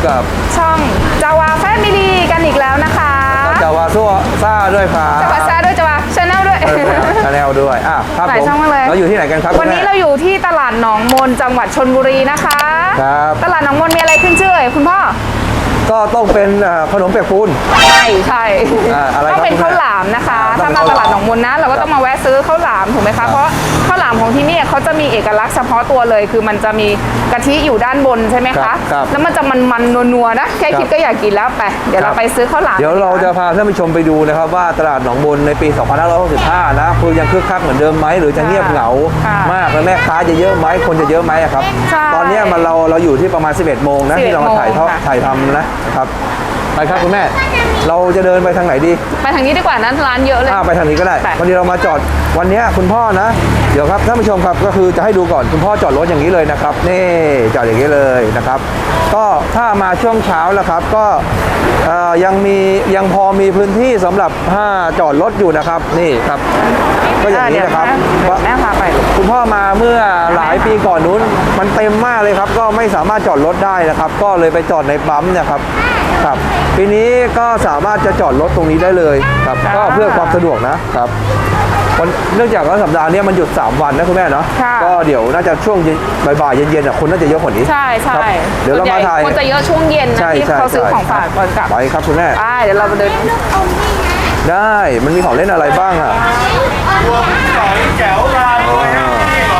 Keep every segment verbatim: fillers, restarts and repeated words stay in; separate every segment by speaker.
Speaker 1: กับ
Speaker 2: ช่องจาวาแฟมิลี่กันอีกแล้วนะคะ
Speaker 1: จาวาซัวซ่าด้วยครับ
Speaker 2: จาวาซ่าด้วยจาวาชาแนลด้วย
Speaker 1: ชาแนลด้วยอ่ะครับผมเราอยู่ที่ไหนกันครับ
Speaker 2: วันนี้เราอยู่ที่ตลาดหนองมนจังหวัดชลบุรีนะคะ
Speaker 1: ครับ
Speaker 2: ตลาดหนองมนมีอะไรขึ้นชื่อคุณพ่อ
Speaker 1: ก็ต้องเป็นขนมเปียกปูน
Speaker 2: ใช่ใช่ต้องเป็นข้าวหลามนะคะถ้ามาตลาดหนองมนนะเราก็ต้องมาแวะซื้อข้าวหลามถูกไหมคะเพราะข้าวหลามของที่นี่เขาจะมีเอกลักษณ์เฉพาะตัวเลยคือมันจะมีกะทิอยู่ด้านบนใช่ไหมคะแล้วมันจะมันๆนัวๆนะแค่คิดก็อยากกินแล้วไปเดี๋ยวเราไปซื้อข้าวหลาม
Speaker 1: เดี๋ยวเราจะพาท่านผู้ชมไปดูนะครับว่าตลาดหนองมนในปีสองพันห้าร้อยหกสิบห้านะคือยังคึกคักเหมือนเดิมไหมหรือจะเงียบเหงามากแล้วแม่ค้าจะเยอะไหมคนจะเยอะไหมครับตอนนี้มันเราเราอยู่ที่ประมาณสิบเอ็ดโมงนะที่เรามาถ่ายทอดถ่ายทำนะครับไปครับคุณแม่เราจะเดินไปทางไหนดี
Speaker 2: ไปทางนี้ดีกว่านั้นร้านเยอะเลย
Speaker 1: ไปทางนี้ก็ได้วันนี้เรามาจอดวันนี้คุณพ่อนะเดี๋ยวครับท่านผู้ชมครับก็คือจะให้ดูก่อนคุณพ่อจอดรถอย่างนี้เลยนะครับนี่จอดอย่างนี้เลยนะครับก็ถ้ามาช่วงเช้าแล้วครับก็ยังมียังพอมีพื้นที่สำหรับถ้าจอดรถอยู่นะครับนี่ครับก็อย่างนี้นะครับ
Speaker 2: แม่พาไป
Speaker 1: คุณพ่อมาเมื่อหลายปีก่อนนู้นมันเต็มมากเลยครับก็ไม่สามารถจอดรถได้นะครับก็เลยไปจอดในปั๊มนะครับครับปีนี้ก็สามารถจะจอดรถตรงนี้ได้เลยครับก็เพื่อความสะดวกนะครับเนื่องจากว่าสัปดาห์นี้มันหยุดสามวันนะคุณแม่เนาะก็เดี๋ยวน่าจะช่วงบ่ายๆเย็นๆคนน่าจะเยอะกว่านี้
Speaker 2: ใช่ใช่
Speaker 1: เดี๋ยวเรามาถ่าย
Speaker 2: คนจะเยอะช่วงเย็นนะที่เขาซื้อของฝากก่อนกลับ
Speaker 1: ไปครับคุณแม่
Speaker 2: เดี๋ยวเราไปเดิน
Speaker 1: ได้มันมีของเล่นอะไรบ้างอ่ะ
Speaker 3: รวมสอยแจ๋วมาด้วยนะ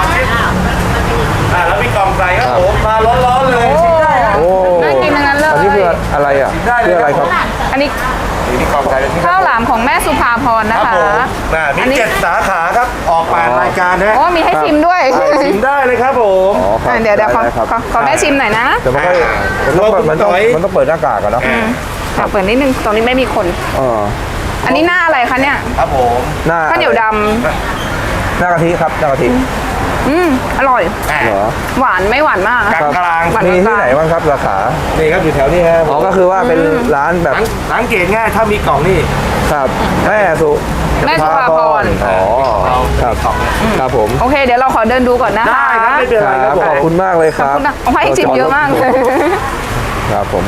Speaker 3: อ่าแล้วมีกล่องใส่ครับผมมาร้อนๆเลย
Speaker 1: โอ้
Speaker 2: น่ากินทั้งนั้นเลย
Speaker 1: อันนี้คืออะไรอ่ะคืออะไรครับ
Speaker 2: อันนี้ข้าวหลามของแม่สุภาพรนะคะ
Speaker 3: มีเจ็ดสาขาครับออกผ่านรายการนะ
Speaker 2: โอ้มีให้ชิมด้วย
Speaker 3: ชิมได้เลยครับผม
Speaker 2: เดี๋ยวเดี๋ยวขอขอแม่ชิมหน่อยนะ
Speaker 1: แต่มันต้องมันต้องมันต้องเปิดหน้ากากกันเนาะ
Speaker 2: เปิดนิดนึงตรงนี้ไม่มีคนอันนี้หน้าอะไรคะเนี่ย
Speaker 3: ครับผม
Speaker 1: หน้า
Speaker 2: ข้าวเหนียวด
Speaker 1: ำหน้ากะทิครับหน้ากะทิ
Speaker 2: อืมอร่อย
Speaker 1: เหรอ
Speaker 2: หวานไม่หวานมาก
Speaker 3: กลางกลาง
Speaker 1: มีที่ไหนบ้างครับราคา
Speaker 3: นี่ครับอยู่แถวนี้ครับ
Speaker 1: อ๋อก็คือว่าเป็นร้านแบบ
Speaker 3: สังเกตง่ายถ้ามีกล่องนี่
Speaker 1: ครับแม่สุ
Speaker 2: แม่สุภาพร
Speaker 1: อ๋อครับครับผม
Speaker 2: โอเคเดี๋ยวเราขอเดินดูก่อนนะ
Speaker 3: ได้ครับไม่เป็นไรครับ
Speaker 1: ขอบคุณมากเลยครับขอบคุณ
Speaker 2: นะให้ชิมเยอะมากเลย
Speaker 1: ครับผม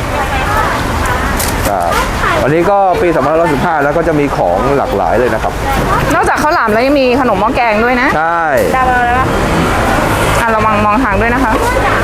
Speaker 1: วันนี้ก็ปีสองพันห้าร้อยสิบห้าแล้วก็จะมีของหลากหลายเลยนะครับ
Speaker 2: นอกจากข้าวหลามแล้วยังมีขนมหม้อแกงด้วยนะ
Speaker 1: ใช่
Speaker 2: ได้แล้วนะอ่ะเรามองมองทางด้วยนะคะ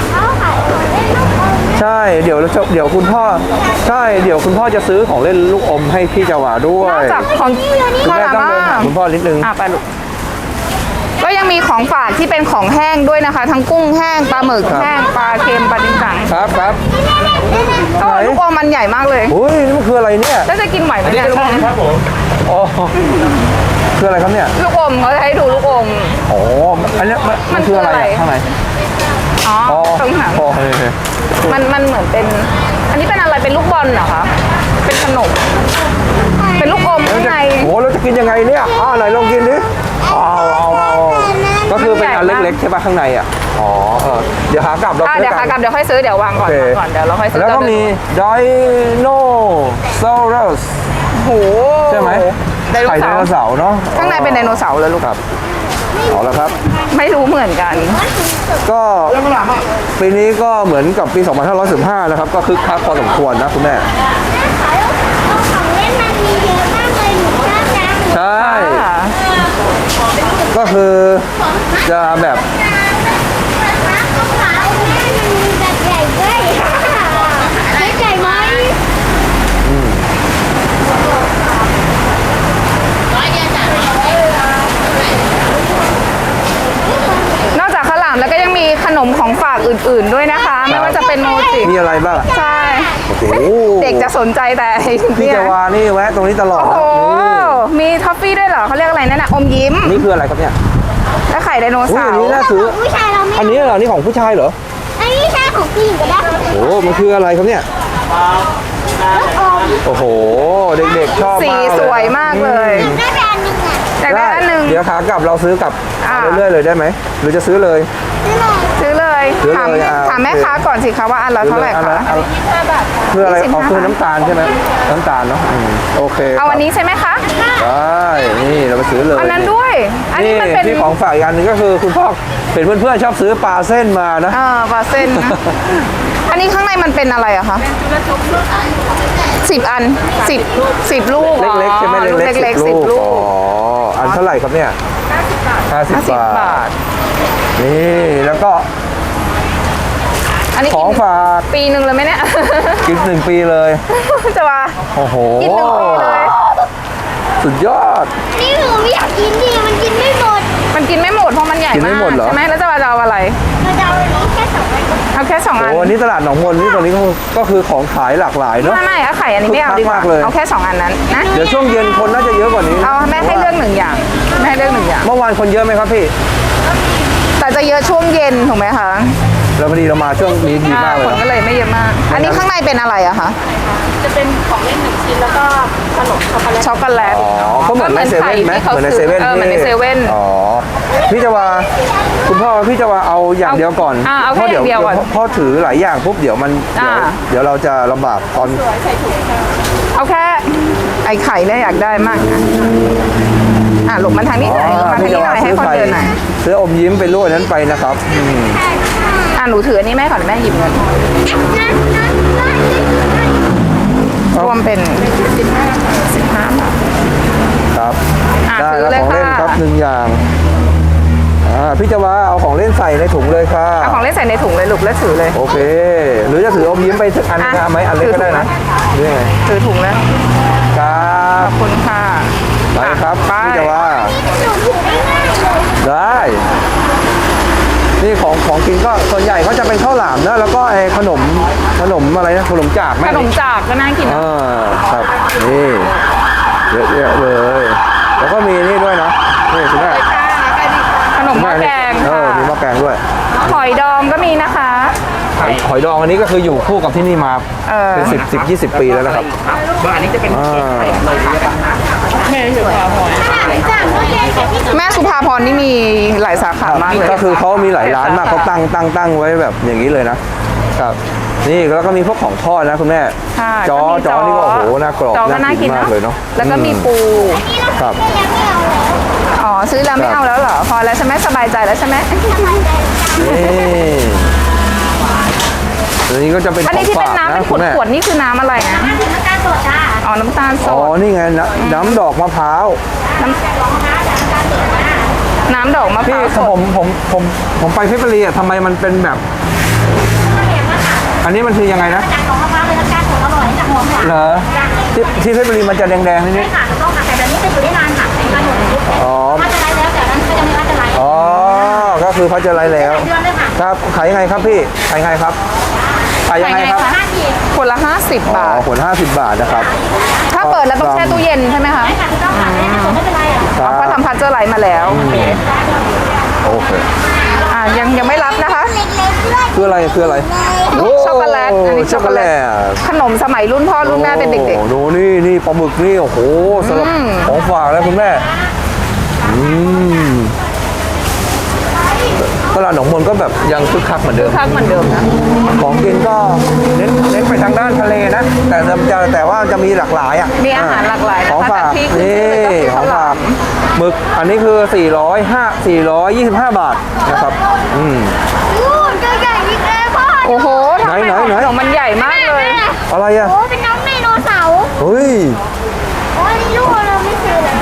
Speaker 1: ใช่เดี๋ยวเดี๋ยวคุณพ่อใช่เดี๋ยวคุณพ่อจะซื้อของเล่นลูกอมให้พี่จาวาด้วย
Speaker 2: นอกจากของ
Speaker 1: คุณแม่ต้องเดินหาคุณพ่อนิดนึง
Speaker 2: อ่ะไปลูกก็ยังมีของฝากที่เป็นของแห้งด้วยนะคะทั้งกุ้งแห้งปลาหมึกแห้งปลาเค็มปลาดิ้นจัง
Speaker 1: ครับครับ
Speaker 2: ก็ลูกอมมันใหญ่มากเลย
Speaker 1: อุ้ยนี่มันคืออะไรเนี่ย
Speaker 2: แล้วจะกินไหวไหมเนี่ยลูกอม
Speaker 3: ครับผม
Speaker 1: อ๋อคืออะไรครับเนี่ย
Speaker 2: ลูกอมเขาจะให้ดูลูกอม
Speaker 1: อ๋ออันนี้มันคืออะไรข้างใน
Speaker 2: อ๋อตรงหางมันมันเหมือนเป็นอันนี้เป็นอะไรเป็นลูกบอลเหรอคะเป็นขนมเป็นลูกอมข้างใน
Speaker 1: โอ้เราจะกินยังไงเนี่ยอ้าวไหนลองกินดิเอาเอาเอาก็คือเป็นอันเล็กๆใช่ป่ะข้างในอ่ะอ๋อเออเดี๋ยวขากลับเรา
Speaker 2: เดี๋ยวขากลับเดี๋ยวค่อยซื้อเดี๋ยววางก่อนก่อนเดี๋ยวเราค่อยซื้อ
Speaker 1: แล้วก็มีไดโนเสาร์ส
Speaker 2: โห
Speaker 1: ใช่ไหมไข่ไดโนเสาร์เนาะ
Speaker 2: ข้างในเป็นไดโนเสาร์เลยลูก
Speaker 1: ครับเอาละครับ
Speaker 2: ไม่รู้เหมือนกัน
Speaker 1: ก็ปีนี้ก็เหมือนกับปีสองพันห้าร้อยสิบห้านะครับก็คึกคักพอสมควรนะคุณแม่ใช่ก็คือจะแบบ
Speaker 2: นอกจากข้าวหลามแล้วก็ยังมีขนมของฝากอื่นๆด้วยนะคะไม่ว่าจะเป็นโมจิ
Speaker 1: มีอะไรบ้าง
Speaker 2: ใช่เด็กจะสนใจแต่
Speaker 1: พี่จาวานี่แวะตรงนี้ตลอด
Speaker 2: โอ้มีท็อฟฟี่ด้วยเหรอเขาเรียกอะไรนั่นน่ะอมยิ้ม
Speaker 1: นี่คืออะไรครับเนี่ย
Speaker 2: แล้วไข่ไดโนเสาร์
Speaker 1: อันนี้น่าซื้ออันนี้เหรอนี่ของผู้ชายเหรอ
Speaker 4: อันนี้ใช่ของผู้หญิงก็ได้
Speaker 1: โอ้มันคืออะไรครับเนี่ยโอ้โหเด็กๆชอบมาก
Speaker 2: สีสวยมากเลย
Speaker 4: ได้อันหนึ่งอ่ะ
Speaker 2: ได้อันหนึ่ง
Speaker 1: เดี๋ยวขากลับเราซื้อกลับเรื่อยๆเลยได้ไหมหรือจะซื้อเลย
Speaker 2: ซื้อเลย
Speaker 1: ซื้อ
Speaker 2: ถาม
Speaker 1: เลยอ่ะ
Speaker 2: ถามแม่
Speaker 1: โอเค
Speaker 2: ค้าก่อนสิคะว่าอันละเท่าไหร่
Speaker 1: อัน
Speaker 2: คะ
Speaker 1: ละอันละเพื่ออะไรเอาคือน้ำตาลใช่ไหมน้ำตาลเนาะอืมโอเค
Speaker 2: เอาอันนี้ใช่ไหมคะ
Speaker 1: ได้นี่เราไปซื้อเลย
Speaker 2: อันนั้นด้วย อันนี้มันเป็น
Speaker 1: ที่ของฝากอีกอันหนึงก็คือคุณพ่อเป็นเพื่อนๆชอบซื้อปลาเส้นมานะ
Speaker 2: เออปลาเส้นนะ อันนี้ข้างในมันเป็นอะไรอะคะสิบอันสิบสิบลูก
Speaker 1: เล็กๆใช่ไหม
Speaker 2: อ๋อ
Speaker 1: เล็กๆ
Speaker 2: เล็กๆ
Speaker 1: สิ
Speaker 2: สิ
Speaker 1: บบ ลู
Speaker 2: ลู
Speaker 1: ก
Speaker 2: ก
Speaker 1: อ๋ออันเท่าไหร่ครับเนี่ยห้าสิบ
Speaker 2: ห้าสิบบ
Speaker 1: า
Speaker 2: บา
Speaker 1: ท
Speaker 2: ท
Speaker 1: นี่แล้วก็
Speaker 2: อันนี้
Speaker 1: ข
Speaker 2: กิ
Speaker 1: อง
Speaker 2: น
Speaker 1: ฝาก
Speaker 2: ปีหนึ่งเลยไหมเนี่ย
Speaker 1: กินหนึ่งปีเลย
Speaker 2: จะว่า
Speaker 1: โอ้โห
Speaker 2: กินหนึ่งปีเลย
Speaker 1: สุดยอด
Speaker 4: นี่หนูไม่อยากกินดิมันกินไม่หมด
Speaker 2: มันกินไม่หมดเพราะมันใหญ่
Speaker 1: กินไม่
Speaker 2: มาก
Speaker 1: หมดเหรอ
Speaker 2: ใช่ไหมแล้วจะว่าจะเอาอะไร
Speaker 4: เราจะเอาอันนี้แค่สองอัน
Speaker 2: เอาแค่สองอัน
Speaker 1: โอ้อันนี้ตลาดหนองมนนี่ตรงนี้ก็ก็คือของขายหลากหลายเนาะ
Speaker 2: ไม่ไม่เอาไข่อันนี้ไม่เอาดีกว่า
Speaker 1: คึกคักมากเลย
Speaker 2: เอาแค่สองอันนั้นนะ
Speaker 1: เดี๋ยวช่วงเย็นคนน่าจะเยอะกว่านี้
Speaker 2: เอาแม่ให้เลือกหนึ่งอย่างแม่ให้เลือกหนึ่งอย่าง
Speaker 1: เมื่อวานคนเยอะไหมครับพี่
Speaker 2: แต่จะเยอะช่วงเย็นถูกไหมคะ
Speaker 1: เราพอดีเรามาช่วงนี้ดีมากเลย
Speaker 2: คนก็
Speaker 1: เนอะ
Speaker 2: เลยไม่เยอะมาก อันนี้ข้างในเป็นอะไรอะคะ
Speaker 5: จะเป็นของเล่นหนึ่งชิ้นแล้วก็ขนมช็อกโกแลต
Speaker 2: ช็อกโกแลต
Speaker 1: อ๋อก็เหมือนในเซเว่นไหม
Speaker 2: ไข่
Speaker 1: เหมือนใน
Speaker 2: ที่
Speaker 1: เซเว่น
Speaker 2: เออเหมือนใน
Speaker 1: ที่
Speaker 2: เซเว่น
Speaker 1: อ๋อพี่จะว่าคุณพ่อพี่จะว่าเอาอย่าง
Speaker 2: เอา
Speaker 1: เดียวก่อน
Speaker 2: อ่าเอาแค่
Speaker 1: พระ
Speaker 2: อย่างเดียวก่อน
Speaker 1: พ่อถือหลายอย่างปุ๊บเดี๋ยวมันเดี๋ยว
Speaker 2: อ่า
Speaker 1: เดี๋ยวเราจะลำบากตอน
Speaker 2: เอาแค่ไอ้ไข่เนี่ยอยากได้มากนะอ่ะหลบมาทางนี้หน่อยหลบมาทาง
Speaker 1: พี่
Speaker 2: นี้
Speaker 1: จะ
Speaker 2: หน่
Speaker 1: ว่า
Speaker 2: อยให้
Speaker 1: ซื้อ
Speaker 2: คน
Speaker 1: ไข่
Speaker 2: เดินหน่อย
Speaker 1: ซื้ออมยิ้มไปรูดอันนั้นไปนะครับอืม
Speaker 2: อ่ะหนูถืออันนี้แม่ก่อนแม่หยิบเงินรวมเป็นสิบห้าบาท
Speaker 1: ครับ
Speaker 2: อ่ะ
Speaker 1: ได้
Speaker 2: ซื้อ
Speaker 1: แล้ว
Speaker 2: เลย
Speaker 1: ของเล่น
Speaker 2: ค่ะ
Speaker 1: ครับหนึ่งอย่างอ่าพี่จะว่าเอาของเล่นใส่ในถุงเลยค่ะ
Speaker 2: เอาของเล่นใส่ในถุงเลยลูกแล้วถือเลย
Speaker 1: โอเค หรือจะถืออมยิ้มไปสักอัน
Speaker 2: อ่ะ
Speaker 1: ก็ไหมอันเล็กก็ได้นะหรือยังไง
Speaker 2: ถือถุงแล้ว
Speaker 1: ครับ
Speaker 2: ขอบคุณค่ะ
Speaker 1: ไปครับ
Speaker 2: ไป
Speaker 1: พี่จะว่า
Speaker 4: หนูถูกได้ง่ายเลย
Speaker 1: ได้ นี่ของของกินก็ส่วนใหญ่เขาจะเป็นข้าวหลามนะแล้วก็ไอ้ขนมขนมอะไรนะขนมจากแม่
Speaker 2: ขนมจากก็น่ากินนะ
Speaker 1: อ่าครับนี่เยอะแยะเลย แล้วก็มีนี่ด้วยนะนี่คุณแม่
Speaker 2: ขนมหม้อแกง
Speaker 1: เอ
Speaker 2: ค่ะ
Speaker 1: อมีหม้อแกงด้วย
Speaker 2: หอยดองก็มีนะคะ
Speaker 1: หอยหอยดองอันนี้ก็คืออยู่คู่กับที่นี่มา
Speaker 2: เออ
Speaker 1: เป็นสิบสิบยี่สิบปีแล้วนะครับอันนี้จะเป็น
Speaker 2: แม่สุภาพรนี่มีหลายสาขามากเลย
Speaker 1: ก็คือเขามีหลายร้านมากเขาตั้งตั้งตั้งไว้แบบอย่างนี้เลยนะครับนี่แล้วก็มีพวกของทอดนะคุณแม่
Speaker 2: ใช่
Speaker 1: จอ
Speaker 2: ก็มี
Speaker 1: จอนี่ก็โอ้โหน่ากรอบ
Speaker 2: จอก็น่ากิน
Speaker 1: มาก
Speaker 2: เนาะ
Speaker 1: เลยเนาะ
Speaker 2: แล้วก็มี
Speaker 1: อื
Speaker 2: ปู
Speaker 1: ครับ
Speaker 4: ยังไม่เอาเลย
Speaker 2: อ๋อซื้อแล้วไม่
Speaker 1: ครับ
Speaker 2: เอาแล้วเหรอ พอแล้วใช่ไหมสบายใจแล้วใช่ไหม
Speaker 1: นี่อันนี้ก็จะเป็นข
Speaker 2: อัน
Speaker 1: อง
Speaker 2: นี้ที่เป็น
Speaker 1: ฝาก
Speaker 2: น้ำเป็
Speaker 1: นะ
Speaker 2: นข
Speaker 1: คุ
Speaker 2: ว
Speaker 1: ณ
Speaker 2: ด
Speaker 1: แม่
Speaker 2: ขวดๆนี่คือน้ำอะไรนะ
Speaker 4: น้ำตาลสดจ้า
Speaker 2: อ๋อ น้ำตาลส
Speaker 1: อ๋อ
Speaker 2: ด
Speaker 1: นี่ไงน้ำน้ำดอกมะพร้าว
Speaker 2: น้ำน้ำดอกมะพ
Speaker 1: พี่
Speaker 2: ร้าวส
Speaker 1: ผ
Speaker 2: ด
Speaker 1: มผมผมผมไปเพชรบุรีอ่ะทำไมมันเป็นแบบ อันนี้มันคือยังไงนะ
Speaker 4: จากของมะพร้าวเป็นน้ำตาลสดอร่อยจากหัวหวาน
Speaker 1: เหรอที่ที่เพชรบุรีมันจะแดงๆนิดนิด
Speaker 4: ค่ะถูกต้องค่ะแต่แบบนี้จะอยู่ได้นานค่ะในการหมดอายุ
Speaker 1: อ๋อ
Speaker 4: ถ้าจะไล่แล้วแต่นั้นก็จะไม่ว่าจะไล่
Speaker 1: อ๋อก็คือเขาจะไล่แล้ว
Speaker 4: เดือนเลยค่ะ
Speaker 1: ครับขายยังไงครับพี่ขายยังไงครับขายยังไงครับ
Speaker 4: ห้าที
Speaker 2: ขวดละห้าสิบ
Speaker 1: อ๋
Speaker 2: บา
Speaker 1: อ
Speaker 2: ท
Speaker 1: ขวดห้าสิบบาทนะครับ
Speaker 2: ถ้าเปิดแล้วต้องแช่ตู้เย็นใช่ไหมคะ
Speaker 4: ใช่ค่ะถูกต้องค่ะไม่ไม่เป็นไรอ่ะ
Speaker 1: ครั
Speaker 2: อ๋
Speaker 1: บ
Speaker 2: อก็ทำพัชเจอร์ไลท์มาแล้ว
Speaker 1: โอเค
Speaker 2: อ่ายังยังไม่รับนะคะ
Speaker 4: เล็กๆด้วย
Speaker 1: คืออะไรคืออะไร
Speaker 2: ลูกช็อกโกแลต อันนี้
Speaker 1: ช็อกโกแลต
Speaker 2: ขนมสมัยรุ่นพ่อรุ่นแม่เป็นเด็ก
Speaker 1: โอ้โหดูนี่นี่ปลาหมึกนี่โอ้โหสำหรับ
Speaker 2: อืม
Speaker 1: ของฝากแล้วคุณแม่อืมตลาดหนองมนก็แบบยังคึกคักเหมือนเดิ
Speaker 2: ๆ
Speaker 1: ม
Speaker 2: คักเหมือนเดิมนะ
Speaker 1: ของกินก็เน้นเน้นไปทางด้านทะเลนะ แต่จะแต่ว่าจะมีหลากหลายอ่ะ
Speaker 2: มีอาหารหลากหลาย
Speaker 1: ของ
Speaker 2: นะคะ
Speaker 1: ฝาก
Speaker 2: แต่ที่ขึ้น
Speaker 1: นี่
Speaker 2: ชื่อเลยก็คือ
Speaker 1: ขอ
Speaker 2: ข้าง วห
Speaker 1: ฝา
Speaker 2: ลาก ม
Speaker 1: หมึกอันนี้คือสี่ร้อยห้า สี่ร้อยยี่สิบห้าบาทนะครับอืม
Speaker 4: อู้ตัวใหญ่อีกแล้วพ่อ
Speaker 2: โอ้โหทำไม
Speaker 1: ไหน
Speaker 2: ของ
Speaker 1: ไหน
Speaker 2: ของมันใหญ่มากเลย
Speaker 1: อะไรอ่ะ
Speaker 4: โอ้เป็นน้องไดโนเสาร์
Speaker 1: เฮ้ย
Speaker 4: โอ้ยลูกเราไม่เคยเลย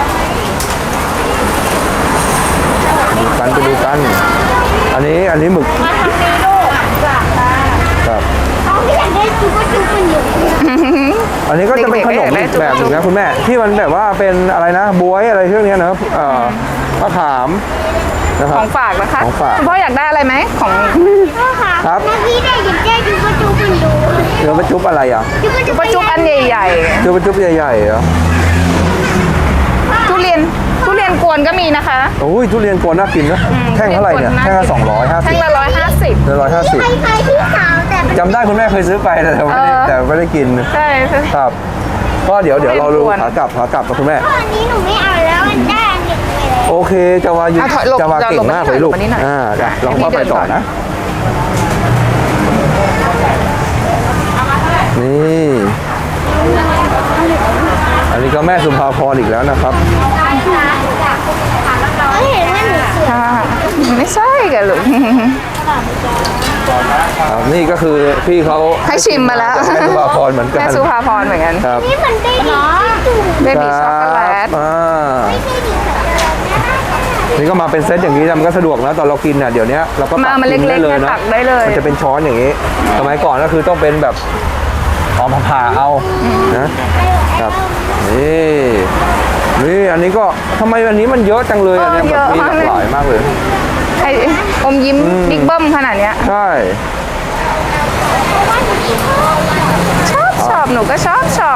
Speaker 1: ดูกันไปดูกัน อันนี้อันนี้หมึก
Speaker 4: มาทำนี้ลูก
Speaker 1: ครับ
Speaker 4: เขาไม่อยากได้จุ๊บจุ๊บมันอยู่
Speaker 1: อันนี้ก็จะเป็นขนมอีกแบบหนึงนะคุณแม่ที่มันแบบว่าเป็นอะไรนะบวยอะไรเรื่องนี้นะครับเอ่อมะขามนะครับ
Speaker 2: ของฝากนะคะ
Speaker 1: ของฝาก
Speaker 2: คุณพ่ออยากได้อะไรไหมของ
Speaker 4: พ่อค่ะ
Speaker 1: ครับ
Speaker 4: เมื่อกี้ได้ยินได้จุ๊บจุ๊บมันอยู่
Speaker 1: เดี๋ยวไปจุ๊บอะไรอ่ะ
Speaker 4: จุ๊บ
Speaker 2: จุ
Speaker 4: จุ๊
Speaker 2: บบ ปะจุบอันใหญ่
Speaker 1: จุ๊บไปจุ๊บใหญ่ๆเหรอ
Speaker 2: ๆ ทุเรียนทุเรียนกวนก็มีนะคะ
Speaker 1: โอ้ยทุเรียนกวนน่ากินนะแท่งเท่าไหร่เนี่ยแท่งละสองร้อยห้าสิ
Speaker 2: แท่
Speaker 1: บ
Speaker 2: งละร้อยห้าสิบ
Speaker 1: หนึ่งร้อยห้าสิบ
Speaker 4: ใครใครพี่สาวแต่เป็น
Speaker 1: จำได้คุณแม่เคยซื้อไปแต่ไม่ได้
Speaker 2: เออ
Speaker 1: แต่ไม่ได้กิน
Speaker 2: ใช่ใช่
Speaker 1: ครับ ก็เดี๋ยวเดี๋ยวเราดู
Speaker 2: ทุเรียนกวน
Speaker 1: ขากลับขากลับกับคุณแม่
Speaker 4: อันนี้หนูไม่เอาแล้วมันได้อันหนึ่งเลย
Speaker 1: โอเคจะวาอยู่
Speaker 2: อ่ะถอยหลบ
Speaker 1: จะวาเก่งมากเลยลูก
Speaker 2: หลบมานิดหน่อย
Speaker 1: อ่าจ้ะลองว่าไปต่อนะนี่อันนี้ก็แม่สุภาพรอีกแล้วนะครับ
Speaker 4: เขาเห็นว่าหนูสวย
Speaker 2: ค่ะไม่ใช่แกลูก
Speaker 1: ครับนี่ก็คือพี่เขา
Speaker 2: ให้ชิมมาแล้ว
Speaker 1: แม่สุภาพรเหมือนกัน
Speaker 2: แม่สุภาพรเหมือนกัน
Speaker 1: ครับ
Speaker 4: นี่มันได้ดีที่สุด
Speaker 2: เบบี้ช็อกโกแลต
Speaker 1: อ่า
Speaker 4: ไม่ใช่ดีสักแบบนะ
Speaker 1: นี่ก็มาเป็นเซตอย่างนี้นะมันก็สะดวกนะตอนเรากินน่ะเดี๋ยวนี้เราก็
Speaker 2: มา
Speaker 1: ตัก
Speaker 2: มัน
Speaker 1: กิน
Speaker 2: เล็
Speaker 1: ได้
Speaker 2: กๆ
Speaker 1: เลย
Speaker 2: เนี่ย
Speaker 1: นะ
Speaker 2: ตักได้เลย
Speaker 1: มันจะเป็นช้อนอย่างนี้สมัยก่อนก็คือต้องเป็นแบบเอามาผ่าเอานะครับนี่นี่อันนี้ก็ทำไมอันนี้มันเยอะจังเลยอันเนี้ย
Speaker 2: เออ
Speaker 1: แบบมี
Speaker 2: เยอะ
Speaker 1: ห
Speaker 2: มา
Speaker 1: ลาก ก
Speaker 2: เลย
Speaker 1: หลายมากเลย
Speaker 2: ไอ้อมยิ้มบิ๊กเบิ้มขนาดเนี้ย
Speaker 1: ใช่
Speaker 2: ชอบชอบหนูก็ชอบชอบ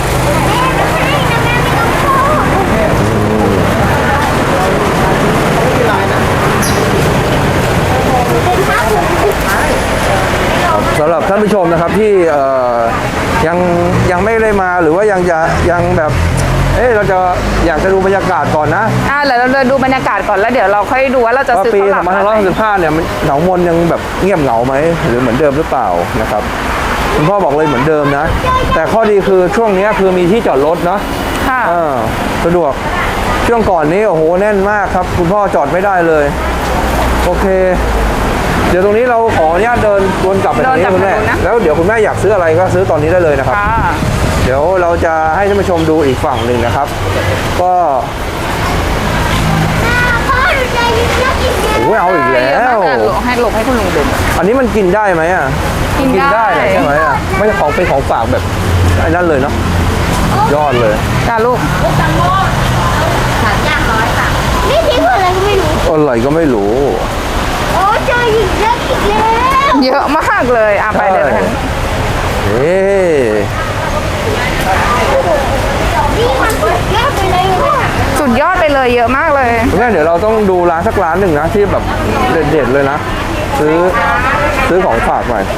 Speaker 1: สำหรับท่านผู้ชมนะครับที่เอ่อยังยังไม่ได้มาหรือว่ายังจะยังแบบเอ๊ะเราจะอยากจะดูบรรยากาศก่อนนะ
Speaker 2: อ่าเดี๋ยวเราเดินดูบรรยากาศก่อนแล้วเดี๋ยวเราค่อยดูว่าเราจะ
Speaker 1: ว่า
Speaker 2: ซื้อ
Speaker 1: ปี
Speaker 2: ข้าวหลาม
Speaker 1: สองพันห้าร้อยหกสิบห้าเนี่ยมันเหงามนยังแบบเงียบเหงาไหมหรือเหมือนเดิมหรือเปล่านะครับคุณพ่อบอกเลยเหมือนเดิมนะ แต่ข้อดีคือช่วงนี้คือมีที่จอดรถเนาะ
Speaker 2: ค่ะ
Speaker 1: เออสะดวกช่วงก่อนนี้โอ้โหแน่นมากครับ คุณพ่อจอดไม่ได้เลย โอเค เดี๋ยวตรงนี้เราขออนุญาตเดินวนกลับไปตรงนี้
Speaker 2: เดินกลับ
Speaker 1: คุณแม่
Speaker 2: ไปดูนะ
Speaker 1: แล้วเดี๋ยวคุณแม่อยากซื้ออะไรก็ซื้อตอนนี้ได้เลยนะครับ
Speaker 2: ค่ะ
Speaker 1: เดี๋ยวเราจะให้ท่านผู้ชมดูอีกฝั่งหนึ่งนะครับ ก็
Speaker 4: พ่อหนูใจดีชอบกินเยอะ
Speaker 1: โอ้ยเอาอีกแล้ว
Speaker 2: หลบให้หลบให้คุณลุงดู
Speaker 1: อันนี้มันกินได้ไหมอ่ะ
Speaker 2: กินได้
Speaker 1: แหละใช่ไหมอ่ะไม่ใช่ของเป็นของฝากแบบไอ้นั่นเลยเนาะยอดเลย
Speaker 2: จ้าลูก
Speaker 4: นี่ทิ้งอะไรก็ไม่รู้
Speaker 1: อะไรก็ไม่รู้
Speaker 4: โอ้เจอหญิงเยอะอีกแล้ว
Speaker 2: เยอะมากเลยอ่ะไปเลยนะคะ
Speaker 1: เอ๊ะ
Speaker 4: นี่มันสุดยอดไปเลยว่ะ
Speaker 2: สุดยอดไปเลยเยอะมากเลย
Speaker 1: คุณแม่เดี๋ยวเราต้องดูร้านสักร้านหนึ่งนะที่แบบเด็ดๆเลยนะ ซื้อซื้อของฝากหน่อย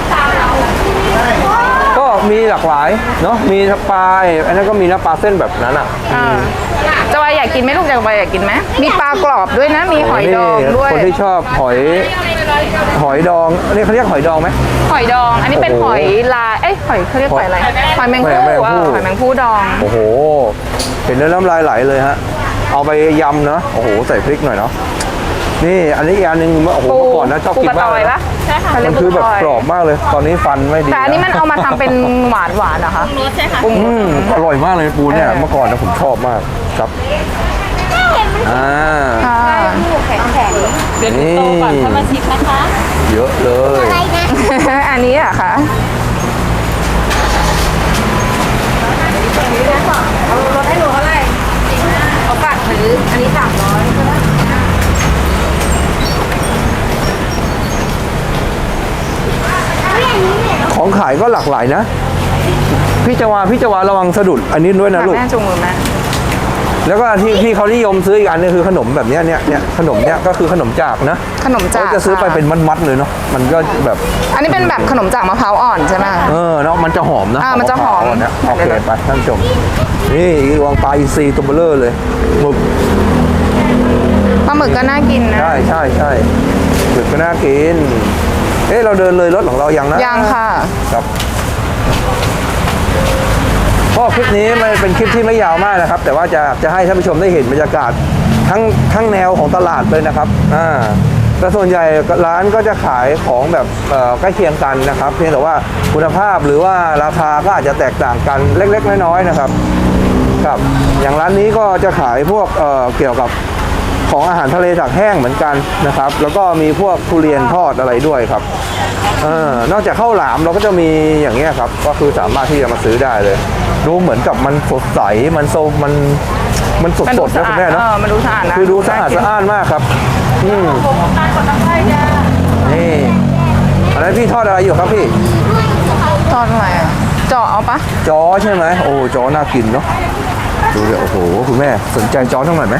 Speaker 1: ก็มีหลากหลายเนาะมีปลาอันนั้นก็มีนะปลาเส้นแบบนั้นอ่ะ
Speaker 2: อ่าจอยอยากกินไหมลูกจอยอยากกินไหมมีปลากรอบด้วยนะ มีหอยดองด้วย
Speaker 1: คนที่ชอบหอยหอยดองนี่เขาเรียกหอยดองไหม
Speaker 2: หอยดอง อันนี้เป็น
Speaker 1: โอ้
Speaker 2: ห
Speaker 1: โห
Speaker 2: อยลาย เอ้ยหอยเขาเรียกหอยอะไร หอยแมง
Speaker 1: ห
Speaker 2: ผู้
Speaker 1: อยแมงผู้
Speaker 2: อ่ะหอยแมงผู้ดอง
Speaker 1: โอ้โหเห็นแล้วน้ำลายไหลเลยฮะเอาไปยำนะโอ้โหใส่พริกหน่อยเนาะนี่อันนี้อีกอันหนึงโอ้โห
Speaker 2: ปู
Speaker 1: เมื่อก่อนนะชอบ
Speaker 2: ปู
Speaker 1: กิน
Speaker 2: กระ
Speaker 1: มา
Speaker 2: ต
Speaker 1: ก
Speaker 2: อ
Speaker 1: เลยย
Speaker 2: ปะ
Speaker 1: นะ
Speaker 5: ใช่ค่ะ
Speaker 2: เขาเรีย
Speaker 1: มั
Speaker 2: ก
Speaker 1: น
Speaker 2: ปู
Speaker 1: คือก
Speaker 2: ระ
Speaker 1: แบบ
Speaker 2: ตอย
Speaker 1: กรอบมากเลย ตอนนี้ฟันไม่ดี
Speaker 2: แต่อันนี้มันเอามาทำเป็นหวานหวานๆเหรอคะ
Speaker 5: รสใช่ค่ะ
Speaker 2: ปรุง
Speaker 1: อืมอร่อยมากเลยปูเนี่ยเมื่อก่อนนะผมชอบมากครับอ่า
Speaker 2: ค่ะ
Speaker 5: เดี๋ยวดูโตก่อนถ้ามาชิมนะคะ
Speaker 1: เยอะเลย
Speaker 4: อะไรนะ
Speaker 2: อันนี้เหรอะคะเอารถให้หนูเท่าไหร่เอาปัดหรืออันนี้สามร้อยก็ได้
Speaker 1: ของขายก็หลากหลายนะ พี่จวาพี่จวาระวังสะดุดอันนี้ด้วยนะลูก
Speaker 2: แม่จุงมือแม่
Speaker 1: แล้วก็ที่ที่เขานิยมซื้ออีกอันนึงคือขนมแบบเนี้ยเนี่ยเนี่ยขนมเนี้ยก็คือขนมจากนะ
Speaker 2: ขนมจาก
Speaker 1: เขาจะซื้อไป
Speaker 2: ค่ะ
Speaker 1: เป็นมัดๆเลยเนาะมันก็แบบ
Speaker 2: อันนี้เป็นแบบขนมจากมะพร้าวอ่อนใช่ไหม
Speaker 1: เออเนาะมันจะหอมนะ
Speaker 2: อ่ามันจะหอม
Speaker 1: ขงมพร้าวเนี่ยโอเคไปท่านผู้ชมนี่วางปลาอินทรีตัวเบลเลอร์เลยหมึก
Speaker 2: ปลาหมึกก็น่ากินนะ
Speaker 1: ใช่ใช่ใช่หมึกก็น่ากินเอ๊ะเราเดินเลยรถของเรายังนะ
Speaker 2: ยังค่ะ
Speaker 1: ครับก็คลิปนี้มันเป็นคลิปที่ไม่ยาวมากนะครับ แต่ว่าจะจะให้ท่านผู้ชมได้เห็นบรรยากาศทั้งทั้งแนวของตลาดเลยนะครับอ่าแต่ส่วนใหญ่ร้านก็จะขายของแบบเอ่อใกล้เคียงกันนะครับ เพียงแต่ว่าคุณภาพหรือว่าราคาก็อาจจะแตกต่างกันเล็กๆน้อยๆนะครับครับอย่างร้านนี้ก็จะขายพวกเอ่อเกี่ยวกับของอาหารทะเลตากแห้งเหมือนกันนะครับ แล้วก็มีพวกทุเรียนทอดอะไรด้วยครับเออนอกจากข้าวหลามเราก็จะมีอย่างเงี้ยครับก็คือสามารถที่จะมาซื้อได้เลย ดูเหมือนกับมันสดใสมันโซมันมันสด
Speaker 2: มัน
Speaker 1: ส
Speaker 2: ดู
Speaker 1: ด
Speaker 2: สะ
Speaker 1: นะคุ
Speaker 2: อาด
Speaker 1: ณแม่
Speaker 2: เอ
Speaker 1: เนาะ
Speaker 2: อมันดูสะอาดนะ
Speaker 1: คือดูสะอาดสะอ้านมากครับอืมนี่อะไรพี่ทอดอะไรอยู่ครับพี่
Speaker 2: ตอนอะไรอ่ะเจาะเอาปะ
Speaker 1: จอใช่ไหมโอ้จอน่ากินเนาะดูเดี๋ยวโอ้โหคุณแม่สนใจจอทั้งหน่อยไหม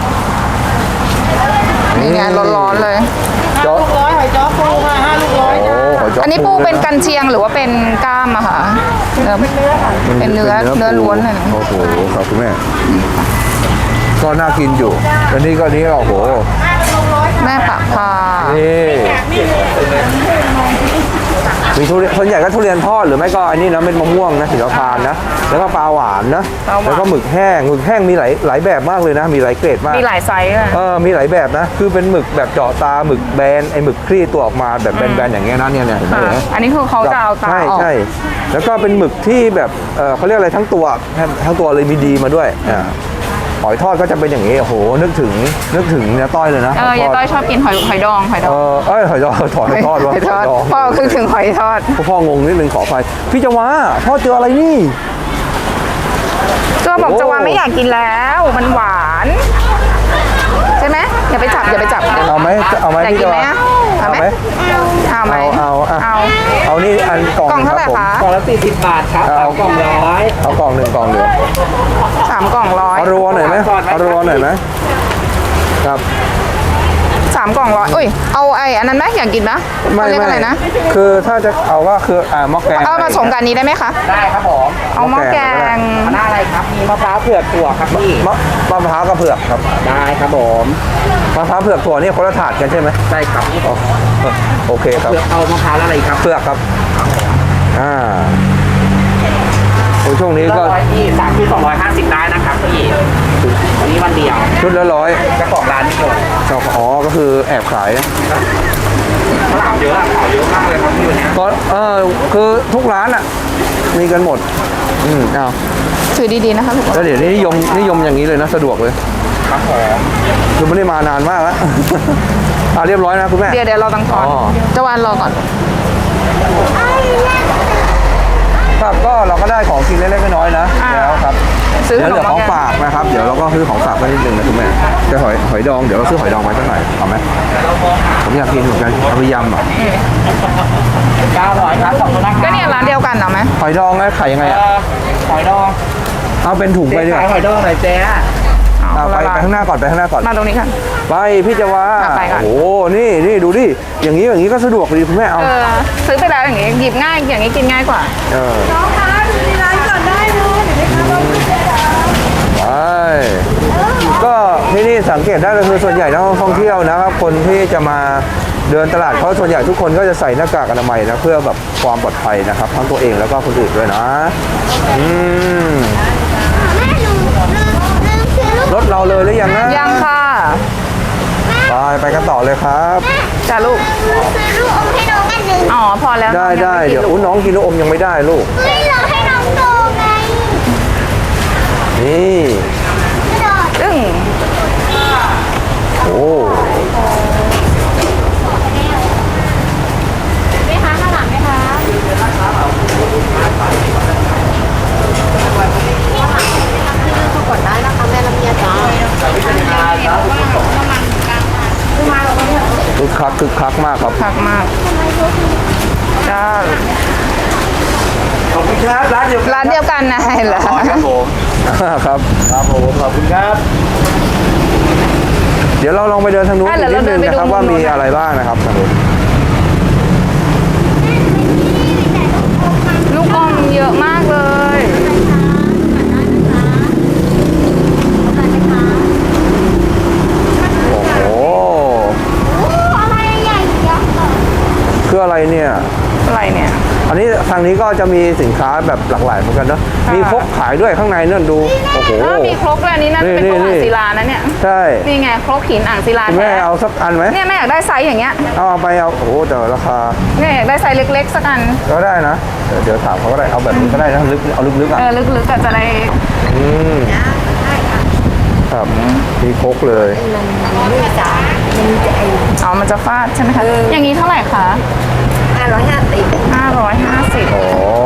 Speaker 2: นี่ไงร้อนๆเลย
Speaker 1: จอ
Speaker 5: ลูกร้อยหอยจ้อปูค่ะห้าลูกร้อย
Speaker 1: โอ้หอยจอ
Speaker 2: อั
Speaker 1: อั
Speaker 2: นนี้ปูเป็นกันเชียงหรือว่าเป็นกล้ามอะคะเนื้อเป็นเนื้อเนื้อล้วนเลยนะ
Speaker 1: โอ้โหครับคุณแม่ก็น่ากินอยู่อันนี้ก็นี้ก็โอ้โห
Speaker 2: แม่ปะพา
Speaker 1: นี่มีทุเรียนส่วนใหญ่ก็ทุเรียนทอดหรือไม่ก็อันนี้นะเป็นมะม่วงนะสีทานนะแล้วก็ปลาหวานนะ
Speaker 2: ปลาหวาน
Speaker 1: แล้วก็หมึกแห้งหมึกแห้งมีหลายหลายแบบมากเลยนะ มีหลายเกรดมาก
Speaker 2: มีหลายไซส์อะ
Speaker 1: เออมีหลายแบบนะ คือเป็นหมึกแบบเจาะตาหมึกแบนไอหมึกคลี่ตัวออกมาแบบแบนๆอย่างเงี้ยนะเนี่ยเนี่ยเห็นไหม
Speaker 2: ค่ะ
Speaker 1: เห็นไหม
Speaker 2: อันนี้คือเขาจะเอาตา
Speaker 1: ใช่
Speaker 2: ออก
Speaker 1: ใช่แล้วก็เป็นหมึกที่แบบเออเขาเรียกอะไรทั้งตัวทั้งตัวเลยมีดีมาด้วยอ่าหอยทอดก็จะเป็นอย่างนี้โอ้โหนึกถึงนึกถึงเนี่ยต้อยเลยนะ
Speaker 2: เออยายต้อยชอบกินหอยหอยดองหอยด
Speaker 1: เอ
Speaker 2: อง
Speaker 1: อเอ้ยหอยทอดหอยทอดวะ
Speaker 2: หอยทอด
Speaker 1: หอยดอง
Speaker 2: พ่อคือถึงหอยทอด
Speaker 1: พ่องงนิดนึงขออภัยพี่จวาพ่อเจออะไรนี่
Speaker 2: ก็บอก
Speaker 1: โอ้
Speaker 2: จะว่าไม่อยากกินแล้วมันหวาน ใช่ไหมอย่าไปจับอย่าไปจับ
Speaker 1: เอาไหมเอาไหม
Speaker 2: อยาก
Speaker 1: พี่
Speaker 2: กิ
Speaker 1: จ
Speaker 2: นไหม
Speaker 1: วา
Speaker 2: อะ
Speaker 1: เอา
Speaker 2: เอาไห
Speaker 1: ไห
Speaker 2: ม
Speaker 1: ม
Speaker 2: เอาไหม
Speaker 1: เอาเอาเอา
Speaker 2: เอา
Speaker 1: เอานี่อันกล่อง
Speaker 2: กล่อง
Speaker 1: หนึ่
Speaker 2: เท่าไหร่
Speaker 1: ครับผม
Speaker 2: คะ
Speaker 6: กล่องละสี่สิบบาทครับสามกล่องร้อย
Speaker 1: เอากล่องหนึ่งกล่องเดียว
Speaker 2: สามกล่องร้อย
Speaker 1: เอารัวหน่อยไหมเอารัวหน่อยไหมครับ
Speaker 2: สามกล่องร้อยอุ้ยเอาไอ้อันนั้นไหมอยากกินนะ
Speaker 1: ไม่
Speaker 2: เขาเรียก
Speaker 1: ไม่
Speaker 2: อะไรนะ
Speaker 1: คือถ้าจะเอาก็คืออ่าหม้อแกง
Speaker 2: เอามาสมกันนี้ได้ไหมคะ
Speaker 6: ได้ครับผม
Speaker 2: เอาหม้อแกง
Speaker 6: หน้าอะไรครับ มีมะพร้าวเผือกถั่วครับพี่
Speaker 1: มะมะพร้าวกับเผือกครับ
Speaker 6: ได้ครับผม
Speaker 1: มะพร้าวเผือกถั่วนี่คนละถาดกันใช่ไหม
Speaker 6: ได้ครับ
Speaker 1: อ๋อโอเคครับ
Speaker 6: เผือกเอามะพร้าวแล้วอะไรครับ
Speaker 1: เผือกครับอ่าโอ้ช่วงนี้
Speaker 6: ก็
Speaker 1: ก็
Speaker 6: ร้อยพี่สามที่สองร้อยห้าสิบได้นะครับพี่วันนี้วันเดียว
Speaker 1: ชุดละร้อย
Speaker 6: เจ้าของร้านนี่เลย
Speaker 1: อ๋อก็คือแอบขาย
Speaker 6: ฝรั่งเยอะอะขายเยอะมากเลยครับพี่วันนี้
Speaker 1: ก็เออคือทุกร้านอ่ะมีกันหมดอืมอ้าว
Speaker 2: ถือดีๆนะคะลูก
Speaker 1: แล้วเดี๋ยวนี้นิยมนิยมอย่างนี้เลยนะสะดวกเลย
Speaker 6: ครับผม
Speaker 1: คือไม่ได้มานานมากแล้ว อ่าเรียบร้อยนะคุณแม่
Speaker 2: เดี๋ยวเดี๋ยวเราตังทอน
Speaker 1: อ๋อ
Speaker 2: เจะวานรอก่อน
Speaker 1: ครับก็เราก็ได้ของกินเล็กๆน้อยๆนะ
Speaker 2: อ่า
Speaker 1: แล้วครับ
Speaker 2: ซื้อ
Speaker 1: เดี๋ยวเหลือ
Speaker 2: ข
Speaker 1: ข
Speaker 2: น
Speaker 1: อ
Speaker 2: ม
Speaker 1: ง
Speaker 2: มาแกง
Speaker 1: ฝากนะครับ เดี๋ยวเราก็ซื้อของฝากไปนิดนึงนะคุณแม่จะหอยหอยดองเดี๋ยวเราซื้อหอยดองไว้สักหน่อยเอาไหมผมอยากกินเหมือนกันเอาไปยำอ่ะ
Speaker 6: เก้าร้อยครับขอบคุณนะค
Speaker 2: ก็
Speaker 6: รับ
Speaker 2: เนี่ยร้านเดียวกันเหรอไหม
Speaker 1: หอยดองไงขายยังไง
Speaker 6: เอ่
Speaker 1: อ่ะ
Speaker 6: อหอยดอง
Speaker 1: เอาเป็นถุงไป
Speaker 6: เจ๊
Speaker 1: ดีก
Speaker 6: ขา
Speaker 1: ว่าย
Speaker 6: หอยดองหน่อยเจ๊
Speaker 1: อ่าไปไปข้างหน้าก่อนไปข้างหน้าก่อน
Speaker 2: มาตรงนี้ค่ะ
Speaker 1: ไปพี่จะว่า
Speaker 2: อ่ะไปก่อน
Speaker 1: โอ้โหนี่นี่ดูดิอย่างนี้อย่างนี้ก็สะดวกดีคุณแม่เอา
Speaker 2: เออซื้อไปแล้วอย่างงี้หยิบง่ายอย่างงี้กินง่ายกว่า
Speaker 1: เออ
Speaker 4: น้องคะดูในร้านก่อนได้เลยเดี๋ยวไปทำเราขึ้นเลยนะ
Speaker 1: ไปก็ที่นี่สังเกตได้ก็คือส่วนใหญ่นักท่องเที่ยวนะครับคนที่จะมาเดินตลาดเขาส่วนใหญ่ทุกคนก็จะใส่หน้ากากอนามัยนะเพื่อแบบความปลอดภัยนะครับทั้งตัวเองแล้วก็คนอื่นด้วยนะอืม
Speaker 4: แม่หนูลืมลืมซื้อลูก
Speaker 1: รถเราเลยหรือยังนะ
Speaker 2: ยังค่ะ
Speaker 1: ไปไปกันต่อเลยครับ
Speaker 2: จ้าลูก
Speaker 4: ลืมซื้อลูกอมให้น้องกันหนึ่ง
Speaker 2: อ๋อพอแล้ว
Speaker 1: ได้
Speaker 2: น้อง
Speaker 1: ได้
Speaker 2: งม่กิน
Speaker 1: เดี๋ยว
Speaker 2: ลูก
Speaker 1: อุ้น้องกินลูกอมยังไม่ได้ลูก
Speaker 4: เฮ้ยเราให้น้องโตไง
Speaker 1: นี่
Speaker 4: กระโดด
Speaker 2: ซึ่ง
Speaker 1: โอ้
Speaker 4: ไหมคะข้างหลังไหมคะกดได้นะคะแม่ลำเอียจ้า
Speaker 1: คึกคักคึกคักมากครับ
Speaker 2: ผักมากจ้า
Speaker 3: ขอบคุณครับร้านเดียวกัน
Speaker 2: ร้านเดียวกันนะเห็นเหรอ
Speaker 3: อ๋อครับผม
Speaker 1: ครับ
Speaker 3: ครับผมขอบคุณครับ
Speaker 1: เดี๋ยวเราลองไปเดินทางนู้น
Speaker 2: อ่ะ
Speaker 1: อี
Speaker 2: เดี๋
Speaker 1: ก
Speaker 2: ยว
Speaker 1: นิดนึงนะครับ
Speaker 2: เราเดินไปดู
Speaker 1: ว่ามี
Speaker 2: นู้นนะ
Speaker 1: อะไรบ้างนะครับทางนู้น
Speaker 2: ลูกอมเยอะมากเลย
Speaker 1: โอ้โห
Speaker 4: โอ้อะไรใหญ่ยักษ์อะ
Speaker 1: คืออะไรเนี่ย
Speaker 2: อะไรเนี่ย
Speaker 1: อันนี้ทางนี้ก็จะมีสินค้าแบบหลากหลายเหมือนกันเนอะ
Speaker 2: ค่ะ
Speaker 1: มีครกขายด้วยข้างในนั่นดู โอ้โห
Speaker 2: เออมีครกเลยอันนี้น่าจะเป็น
Speaker 1: นี่
Speaker 2: ครก
Speaker 1: นี่
Speaker 2: อ่างศิลานะเนี่ย
Speaker 1: ใช่
Speaker 2: นี่ไงครกหินอ่างศิลา
Speaker 1: คุณแม่
Speaker 2: แท้
Speaker 1: เอาสักอันไหม
Speaker 2: เนี่ยแม่อยากได้ไซส์อย่างเงี้ย
Speaker 1: เอาไปเอา โอ้โหแต่ราคา
Speaker 2: เนี่ยอยากได้ไซส์เล็กๆสักอัน
Speaker 1: ก็ได้นะ เดี๋ยวเดี๋ยวถามเขาก็ได้ เอาแบบนี้ก็ได้นะลึกเอาลึกๆอ่ะ
Speaker 2: เออลึกๆก็จะได้
Speaker 1: อืมครับ มีครกเลย
Speaker 2: อ๋อมันจะฟาดใช่ไหมคะอย่างนี้เท่าไหร่คะ
Speaker 4: ห้าร้อยห้าสิบ
Speaker 2: ห้าร้อยห้าสิบ
Speaker 1: อ๋อ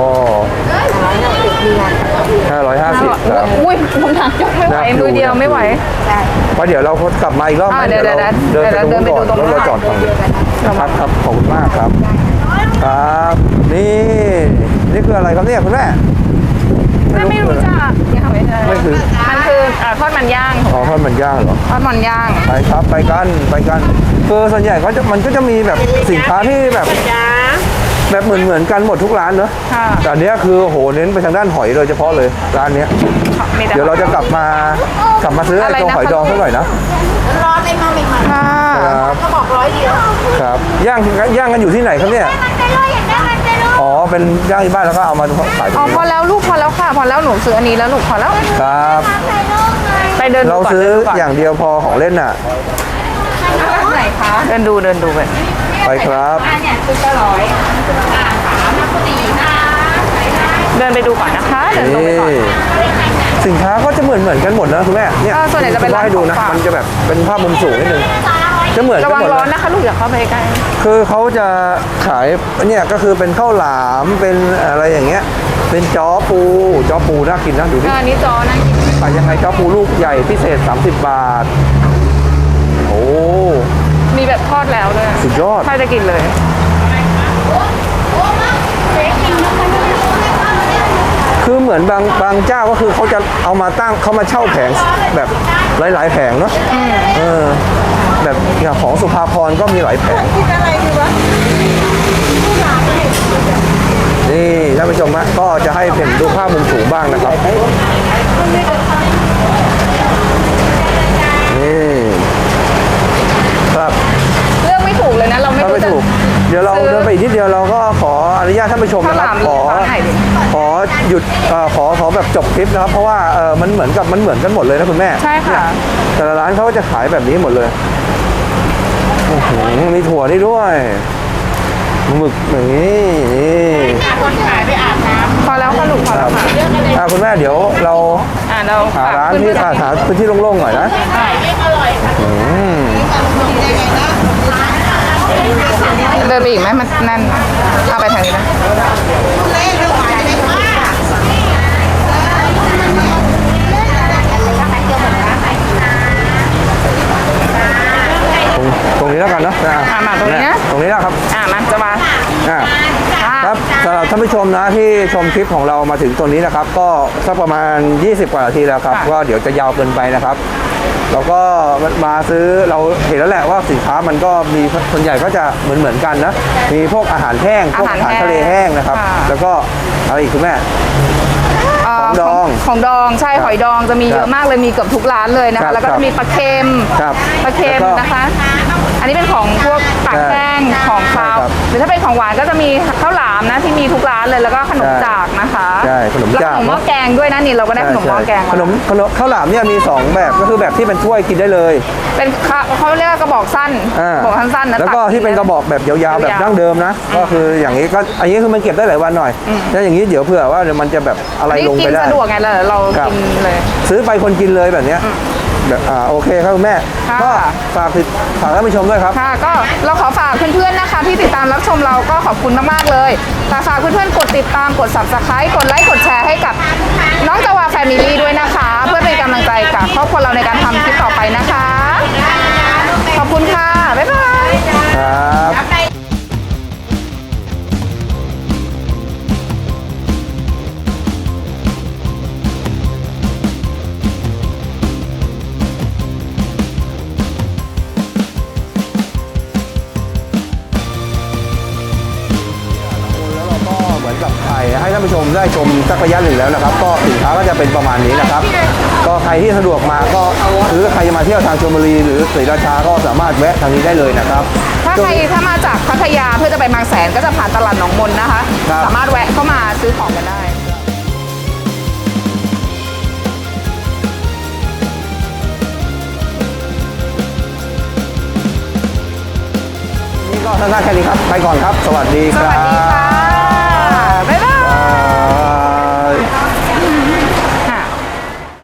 Speaker 1: ห้าร้อยห้าสิบครับ
Speaker 2: อุ้ยคุณทางยกไม่ไหว
Speaker 1: น่าดู
Speaker 2: มือเดียวไม่ไหว
Speaker 1: เพราะเดี๋ยวเรากลับมาอีกรอบ
Speaker 2: อ่า
Speaker 1: นะ
Speaker 2: เดี๋ยว
Speaker 1: เรา
Speaker 2: เดี๋ยว
Speaker 1: เดินไป
Speaker 2: เดี๋ยว
Speaker 1: ตรงนู้นก่อน
Speaker 2: เดินไปดูตรงนู้น
Speaker 1: แล้วเราจอดฝั่งนี้ครับครับขอบคุณมากครับ ครับ นี่ นี่คืออะไรครับเนี่ยคุณแม่
Speaker 2: แม่ไม่รู้จักเนี่ยค่ะไม่ใช่
Speaker 1: ไม่คือ
Speaker 2: มันคือเอ่อทอดมันย่าง
Speaker 1: อ๋อทอดมันย่างเหรอ
Speaker 2: ทอดมันย่าง
Speaker 1: ไปครับไปกันไปกันคือส่วนใหญ่ก็จะมันก็จะมีแบบสินค้าที่แบบแบบเหมือนเหมือนกันหมดทุกร้านเนอะ
Speaker 2: ค่ะ
Speaker 1: แต่อันเนี้ยคือโหเน้นไปทางด้านหอยโดยเฉพาะเลยร้านเนี้ย
Speaker 2: มีแต่
Speaker 1: เดี๋ยวเราจะกลับมากลับมาซื้อไอ้ตัวหอยดองสักหน่อยนะ
Speaker 4: ร้อนเลยมาใหม่
Speaker 2: ค่ะ
Speaker 1: ครับ
Speaker 4: ๆก็บอกร้อยเดียว
Speaker 1: ครับย่างย่างกันอยู่ที่ไหนครับเนี่ย
Speaker 4: มันไปเลยอยากได้มันไปเล
Speaker 1: เป็นย่างที่บ้านแล้วก็เอามาขายตร
Speaker 2: อ๋อง พ
Speaker 1: นี้
Speaker 2: อแล้วลูกพอแล้วค่ะพอแล้วหนูซื้ออันนี้แล้วลูกพอแล้ว
Speaker 1: ครับ
Speaker 2: ไปเดินดู
Speaker 1: เรา
Speaker 2: ก่อน
Speaker 1: ซื้อ
Speaker 2: เดินดูก่อน
Speaker 1: อย่างเดียวพอของเล่นน่ะ
Speaker 2: ไหนคะเดินดูเดินดูไป
Speaker 1: ไปครับ
Speaker 2: เดินไปดูก่อนนะคะเดินตรงไป
Speaker 1: นี่
Speaker 2: ก่อน
Speaker 1: สินค้าก็จะเหมือนเหมือนกันหมดนะคุณแม่เนี่ย
Speaker 2: เออส่วนใหญ่จะเป็นร้าน
Speaker 1: ให้ดูนะ
Speaker 2: ของฝาก
Speaker 1: มันจะแบบเป็นภาพมุมสูงนิดนึงจะเหมือนกั
Speaker 2: ระ
Speaker 1: น
Speaker 2: วัง
Speaker 1: หมด
Speaker 2: ร้อน
Speaker 1: เลย
Speaker 2: นะคะลูกอย่าเข้าไปใกล้
Speaker 1: คือเขาจะขายเนี่ยก็คือเป็นข้าวหลามเป็นอะไรอย่างเงี้ยเป็นจ้อปูจ้อปูน่ากินนะดูดิ
Speaker 2: อันนี้จอนะ
Speaker 1: ขายยังไงจ้อปูลูกใหญ่พิเศษสามสิบบาทโอ้
Speaker 2: มีแบบทอดแล้วด้วย
Speaker 1: สุดยอด
Speaker 2: ถ้าจะกินเลย
Speaker 1: คือเหมือนบางบางเจ้าก็คือเขาจะเอามาตั้งเขามาเช่าแผงแบบหลายๆแผงเนาะเออแบบอย่างของสุภาพรก็มีหลายแผง
Speaker 4: กินอะไรดีวะ
Speaker 1: นี่ท่านผู้ชมฮะก็จะให้เห็นดูภาพมุมสูงบ้างนะครับนี่ครับ
Speaker 2: เลือกไม่ถูกเลยนะเราไม่
Speaker 1: ถ้า
Speaker 2: รู้
Speaker 1: ไม่
Speaker 2: จะ
Speaker 1: ถูกเดี๋ยวเรา
Speaker 2: ซื้อ
Speaker 1: เดินไปอีกนิดเดียวเราก็ขออนุญาตท่านผู้ชมนะครับ
Speaker 2: ข้าวหลาม
Speaker 1: ขอ
Speaker 2: ร้านไหนดี
Speaker 1: ขอหยุดเอ่อขอขอแบบจบคลิปนะครับ เพราะว่าเออมันเหมือนกับมันเหมือนกันหมดเลยนะคุณแม่
Speaker 2: ใช่ค่ะ
Speaker 1: เนี่ยแต่ละร้านเขาก็จะขายแบบนี้หมดเลยโอ้โหมีถั่วนี่ด้วยหมึกอย่างนี้นี่
Speaker 5: คนขายไปอาบน้
Speaker 2: พอแล้วค่ะลูกพอ
Speaker 1: ค
Speaker 2: แล้
Speaker 1: รั
Speaker 2: ว
Speaker 1: บ
Speaker 2: ค่ะ
Speaker 1: อ่ะคุณแม่เดี๋ยวเรา
Speaker 2: อ่าเรา
Speaker 1: หาร้านที่
Speaker 2: ฝก
Speaker 1: อ่ะ
Speaker 2: เพื่อนๆ
Speaker 1: หาพื้นที่โล่งๆหน่อยนะ อืม
Speaker 2: เดินไปอีกไหมมันนั่นเอาไปทางนี้นะ
Speaker 1: ตรงตรงนี้แล้วกันเนาะอ่ะ
Speaker 2: อ่ะมาตรงนี้นะ
Speaker 1: ตรงนี้แล้วครับ
Speaker 2: อ่ามาจะมา
Speaker 1: อ่ะ
Speaker 2: ค่ะ
Speaker 1: ครับสำหรับท่านผู้ชมนะที่ชมคลิปของเรามาถึงตรงนี้นะครับ ก็สักประมาณ ยี่สิบ กว่านาทีแล้วครับก็เดี๋ยวจะยาวเกินไปนะครับเราก็มาซื้อเราเห็นแล้วแหละว่าสินค้ามันก็มีส่วนใหญ่ก็จะเหมือนเหมือนกันนะมีพวกอาหารแห้งพวกอาหารทะเลแห้งนะครับ แล้วก็อะไรอีกคุณแม่
Speaker 2: เ
Speaker 1: ของดอง
Speaker 2: ของดองใช่
Speaker 1: ครับ
Speaker 2: หอยดองจะมี
Speaker 1: ครับ
Speaker 2: เยอะมากเลยมีเกือบทุกร้านเลยนะ
Speaker 1: ครั
Speaker 2: คะ
Speaker 1: บ
Speaker 2: แล้วก็
Speaker 1: ครับ
Speaker 2: จะมีปลาเค็ม
Speaker 1: ครับ
Speaker 2: ปลาเค็ม
Speaker 1: แล้วก็
Speaker 2: นะคะ อันนี้เป็นของพวกปากแห้งของคาว
Speaker 1: ใช่ครับ
Speaker 2: หรือถ้าเป็นของหวานก็จะมีข้าวหลามนะที่มีทุกร้านเลยแล้วก็ขนม
Speaker 1: ใช่
Speaker 2: จากนะคะ
Speaker 1: ใช่ขนม
Speaker 2: แล้ว
Speaker 1: จาก
Speaker 2: ขนมหม้อแกงด้วยนะนี่เราก็ได้ขนมหม้อแกง
Speaker 1: ขนมขนมข้าวหลามเนี่ยมีสองแบบก็คือแบบที่เป็นถ้วยกินได้เลย
Speaker 2: เป็นข้าวเขาเรียกว่ากระบอกสั้น
Speaker 1: อ่าก
Speaker 2: ระบอกสั้นๆนะ
Speaker 1: แล้วก็
Speaker 2: ตั
Speaker 1: ที่เป็นกระบอกแบบยาวๆแบบ
Speaker 2: ยาวๆ
Speaker 1: ดั้งเดิมนะ ก็คืออย่างนี้ก็อันนี้คือมันเก็บได้หลายวันหน่อยแล้วอย่างนี้เดี๋ยวเผื่อว่าเดี๋ยวมันจะแบบอะไร
Speaker 2: อันนี้
Speaker 1: ลง
Speaker 2: กิ
Speaker 1: ไป
Speaker 2: น
Speaker 1: ได้
Speaker 2: สะดวกไงเราเรา
Speaker 1: ครับ
Speaker 2: กินเลย
Speaker 1: ซื้อไปคนกินเลยแบบเนี้ยแบบอ่าโอเคครับคุณแม่
Speaker 2: ค่ะ
Speaker 1: ก็ฝากติดฝากท่านผู้ชมด้วยครับ
Speaker 2: ค่ะก็เราขอฝากเพื่อนๆนะคะ ที่ติดตามรับชมเราก็ขอบคุณมากๆเลยแต่ฝากเพื่อนๆกดติดตามกด ซับสไครบ์ กดไลค์กดแชร์ให้กับน้องจาวาแฟมิลี่ด้วยนะคะ เพื่อเป็นกำลังใจกับครอบครัวเราในการทำคลิปต่อไปนะคะ ขอบคุณค่ะ บ๊ายบาย
Speaker 1: ครับ แล้วเราก็เหมือนกับถ่ายให้ท่านผู้ชมได้ชมสักระยะหนึ่งแล้วนะครับ ก็สินค้าก็จะเป็นประมาณนี้นะครับ ก็ใครที่สะดวกมาก็หรือใครจะมาเที่ยวทางชลบุรีหรือศรีราชาก็สามารถแวะทางนี้ได้เลยนะครับ
Speaker 2: ถ้าใครถ้ามาจากพัทยาเพื่อจะไปบางแสนก็จะผ่านตลาดหนองมนนะคะ
Speaker 1: ครับ
Speaker 2: สามารถแวะเข้ามาซื้อของกันได้
Speaker 1: นี่ก็สั้นๆแค่นี้ครับ ไปก่อนครับ สวัสดี
Speaker 2: ส
Speaker 1: ครั
Speaker 2: วัสดี
Speaker 1: บ
Speaker 2: ค่ะ